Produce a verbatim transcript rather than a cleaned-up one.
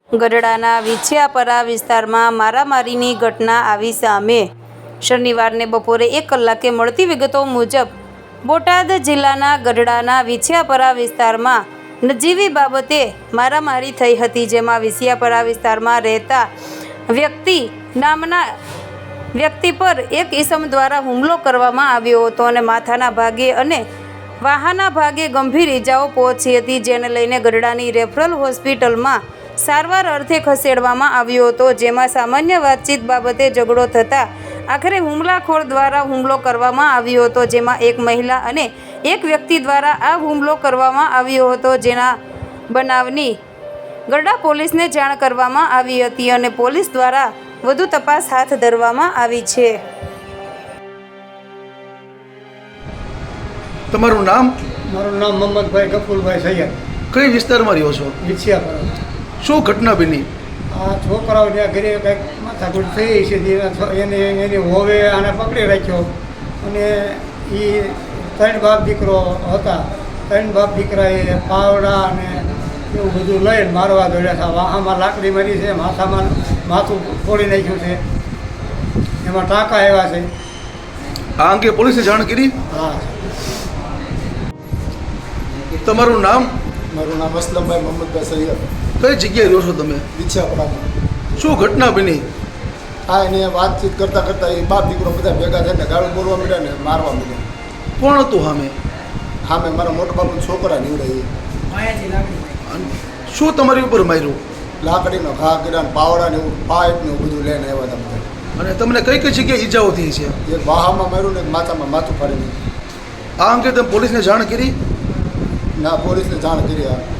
ગઢડાના વિછિયાપરા વિસ્તારમાં મારામારીની ઘટના આવી સામે. શનિવારને બપોરે એક કલાકે મળતી વિગતો મુજબ બોટાદ જિલ્લાના ગઢડાના વિછિયાપરા વિસ્તારમાં નજીવી બાબતે મારામારી થઈ હતી, જેમાં વિછિયાપરા વિસ્તારમાં રહેતા વ્યક્તિ નામના વ્યક્તિ પર એક ઈસમ દ્વારા હુમલો કરવામાં આવ્યો હતો અને માથાના ભાગે અને વાહાના ભાગે ગંભીર ઈજાઓ પહોંચી હતી, જેને લઈને ગઢડાની રેફરલ હોસ્પિટલમાં સારવાર અર્થે ખસેડવામાં આવ્યો હતો, જેમાં સામાન્ય વાતચીત બાબતે ઝઘડો થતાં આખરે હુમલાખોર દ્વારા હુમલો કરવામાં આવ્યો હતો, જેમાં એક મહિલા અને એક વ્યક્તિ દ્વારા આ હુમલો કરવામાં આવ્યો હતો, જેના બનાવની ગઢડા પોલીસને જાણ કરવામાં આવી હતી અને પોલીસ દ્વારા વધુ તપાસ હાથ ધરવામાં આવી છે. તમારું નામ? મારું નામ મોહમ્મદભાઈ ગફુરભાઈ સૈયદ. કઈ વિસ્તારમાં રહ્યો છો? વિછિયાપરા. શું ઘટના બની? આ છોકરાઓ ત્યાં ઘરે કંઈક માથાકૂટ થઈ છે, એને એની હોવે આને પકડી રાખ્યો અને એ ત્રણ બાપ દીકરો હતા. ત્રણ બાપ દીકરાએ પાવડા અને એવું બધું લઈને મારવા દોડ્યા હતા. વાહામાં લાકડી મારી છે, માથામાં માથું ફોડી નાખ્યું છે, એમાં ટાંકા આવ્યા છે. આ અંગે પોલીસે જાણ કરી? હા. તમારું નામ? મારું નામ અસલમભાઈ મોહમ્મદભાઈ સૈયદ. કઈ જગ્યાએ રહ્યો છો તમે? વિછિયાપરામાં. શું ઘટના બની? આ એને વાતચીત કરતાં કરતાં એ બાપ દીકરો બધા ભેગા થઈને ગાળું બોલવા માંડ્યા ને મારવા માંડ્યા. કોણ હતું સામે? સામે મારા મોટા બાપુના છોકરા નીવડે. શું તમારી ઉપર માર્યું? લાકડીનો ઘા કર્યા ને પાવડા ને એવું પાઇપ ને એવું બધું લઈને આવ્યા હતા બધા. અને તમને કઈ કઈ જગ્યાએ ઈજાઓ થઈ છે? એક વાહામાં માર્યું ને એક માથામાં માથું ફાડી નાખ્યું. આ અંગે તમે પોલીસને જાણ કરી? ના, પોલીસને જાણ કરી. આ